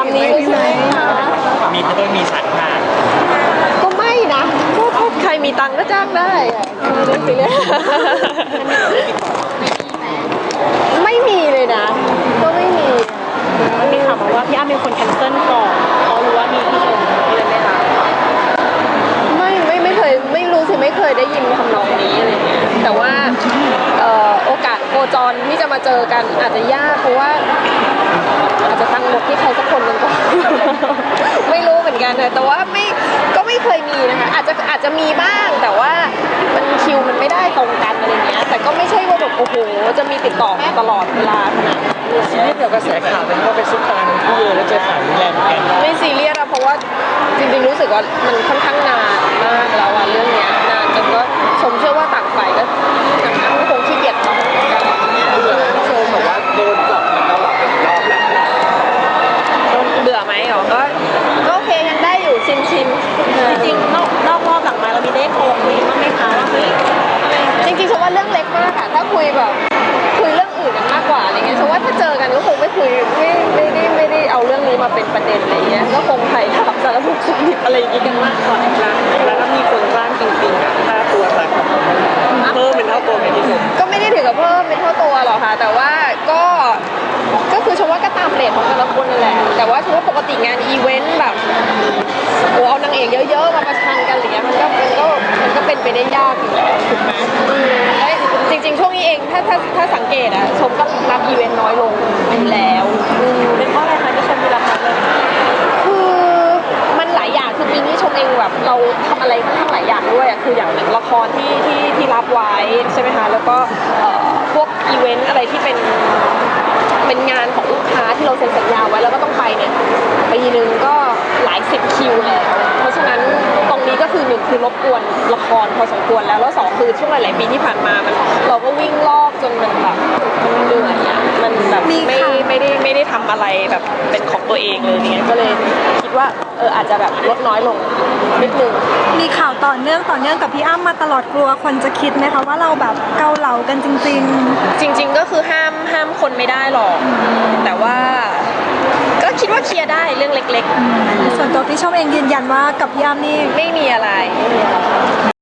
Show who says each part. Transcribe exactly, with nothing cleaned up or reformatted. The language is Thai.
Speaker 1: ามนี้เลยใช่ไหมคะ
Speaker 2: มีเขาต้องมีฉันค่ะ
Speaker 1: ก็ไม่นะก็ถ้าใครมีตังค์ก็จ้างได้อะไม่ได้สิเลยไม่มีเลยนะก็ไม่มีมันมีข่าวมาว่าพี่อ้ำเป็นคนแคนเซิลก่อนเขารู้ว่ามีพี่ชมเลยไหมคะไม่ไม่ไม่เคยไม่รู้สิไม่เคยได้ยินทำนองนี้อะไรเงี้ยแต่ว่าเอ่อโอกาสโคจรที่จะมาเจอกันอาจจะยากเพราะว่าอาจจะตั้งหมดที่ใครสักคนหนึ่งก่อน ไม่รู้เหมือนกันนะแต่ว่าไม่ก็ไม่เคยมีนะคะอาจจะอาจจะมีบ้างแต่ว่ามันคิวมันไม่ได้ตรงกันอะไรเงี้ยแต่ก็ไม่ใช่ว่าแบบโอ้โหจะมีติดต่อตลอดเวลาขนาดนั้น
Speaker 2: ซีรีส์เกี่ยวกับกระแสข่าวเป็นว่าเป็นซุปตาร์ทั้งคู่เลยแล้วเจอข่าวรุนแรงเหมือนกัน
Speaker 1: ไม่ซีเรียสอะเพราะว่าจริงๆรู้สึกว่ามันค่อนข้างนานมากแล้วอะเรื่องเนี้ยนานจนก็ชมเชื่อว่าต่างฝ่ายก็ทางนั้นก็คงขี้เกียจทำกัน
Speaker 2: โชว์บอกว่าโดนจับมาตลอดเป็นรอบแล้ว
Speaker 1: เบื่อไหมอ๋อก็ก็โอเคยังได้อยู่ชิมชิมจริงๆนอกนอกรอบหลังมาเรามีได้โทรคุยบ้างไหมคะว่าเฮ้ยจริงๆชมว่าเรื่องเล็กมากอะถ้าคุยแบบคุยเรื่องอื่นกันมากกว่าอะไรเงี้ยชมว่าถ้าเจอกันก็คงไม่คุยไม่ไม่ได้ไม่ได้เอาเรื่องนี้มาเป็นประเด็นอะไรเงี้ยก็คงไถ่ถามสารทุกข์สุขดิบอะไรอย่างงี้กันมากกว่า
Speaker 2: แล้วแล้วถ้ามีคนจ้างจริงๆอ่ะค่าตัวสักเพิ่มเป็นเท่าตัวไหมที่สุด
Speaker 1: ก็ไม่ได้ถึงกับเพิ่มเป็นเท่าตัวหรอกค่ะแต่ว่าก็ก็คือชมว่าก็ตามเรทของแต่ละคนนั่นแหละแต่ว่าชมว่าปกติงานอีเวนต์แบบโอ้เอานางเอกเยอะๆมาประชันกันอะไรเงี้ยมันก็มันก็มันก็เป็นไปได้ยากอยู่แล้วถูกไหมอืมและจริงๆช่วงนี้เองถ้าถ้าถ้าสังเกตอะชมก็รับอีเวนต์น้อยลงอยู่แล้วอืมเป็นเพราะอะไรคะที่ชมมีรับน้อยลงคือมันหลายอย่างคือปีนี้ชมเองแบบเราทำอะไรค่อนข้างหลายอย่างด้วยอะคืออย่างหนึ่งละครที่ที่ที่รับไว้ใช่ไหมคะแล้วก็เอ่อพวกอีเวนต์อะไรที่เป็นเป็นงานของลูกค้าที่เราเซ็นสัญญาไว้แล้วก็ต้องไปเนี่ยปีนึงก็หลายสิบคิวแล้วเพราะฉะนั้นตรงนี้ก็คือหนึ่งคือรบกวนละครพอสมควรแล้วแล้วสองคือช่วงหลายๆปีที่ผ่านมามันเราก็วิ่งรอบจนมันแบบมันเหนื่อยอะมันแบบไม่ไม่ได้ไม่ได้ทำอะไรแบบเป็นของตัวเองเลยเนี่ยก็เลยคิดว่าเอออาจจะแบบลดน้อยลงนิดนึง
Speaker 3: มีข่าวต่อเนื่องต่อเนื่องกับพี่อ้ำมาตลอดกลัวคนจะคิดไหมคะว่าเราแบบเกาเหลากันจริง
Speaker 1: จริงๆก็คือห้ามห้ามคนไม่ได้หรอกแต่ว่าก็คิดว่าเคลียร์ได้เรื่องเล็ก
Speaker 3: ๆ ส่วนตัวพี่ชมเองยืนยันว่ากับพี่อ้ำนี่
Speaker 1: ๆ ไม่มีอะไรไม่มีอะไร